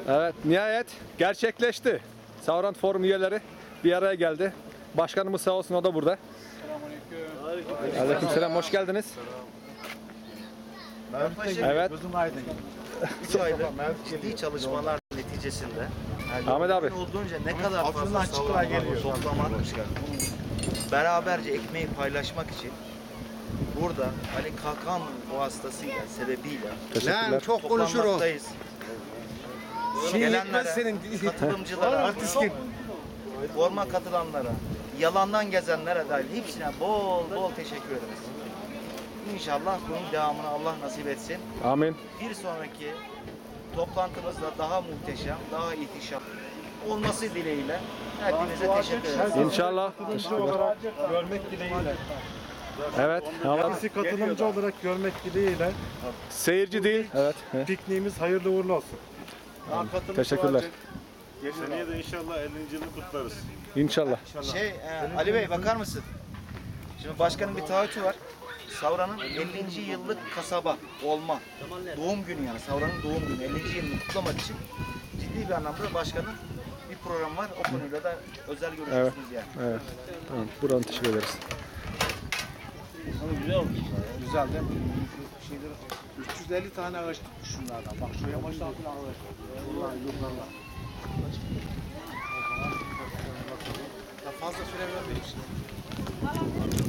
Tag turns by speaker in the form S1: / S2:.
S1: Evet, nihayet gerçekleşti. Savran Forum üyeleri bir araya geldi. Başkanımız sağ olsun, o da burada. Selamünaleyküm. Aleykümselam, hoş geldiniz. Evet.
S2: İki aylık ciddi çalışmalar neticesinde
S1: Ahmet abi.
S2: olduğunca ne kadar fazla savran geliyor toplamak, beraberce ekmeği paylaşmak için burada Ali Kalkan vasıtasıyla, sebebiyle
S1: Teşekkürler.
S3: Çok konuşur o.
S2: toplanmaktayız. Gelenlere, katılımcılara, forma katılanlara, yalandan gezenlere dahil hepsine bol bol teşekkür ederiz. İnşallah bunun devamını Allah nasip etsin.
S1: Amin.
S2: Bir sonraki toplantımızda daha muhteşem, daha ihtişam olması dileğiyle hepinize teşekkür ederiz.
S1: İnşallah. Teşekkürler.
S4: Görmek dileğiyle.
S1: Evet. Allah.
S4: Bizi katılımcı olarak görmek dileğiyle
S1: Seyirci değil. Evet.
S4: pikniğimiz hayırlı uğurlu olsun.
S1: Teşekkürler.
S5: Seneye de inşallah 50. yılını kutlarız.
S1: İnşallah.
S2: Ali Bey bakar mısın? Şimdi başkanın bir taahhütü var. Savran'ın 50. yıllık kasaba olma. Doğum günü yani. Savran'ın doğum günü. 50. yılını kutlamak için ciddi bir anlamda başkanın bir program var. O konuyla da özel görüşüyorsunuz yani.
S1: Evet. Tamam. Buradan teşekkür ederiz.
S3: Güzel değil mi? Şeyleri, 350 tane ağaç tutmuş şunlardan. Bak şu yamaçtan falan ağaç. Bunlar yukarıda. Fazla süre vermeyin şimdi.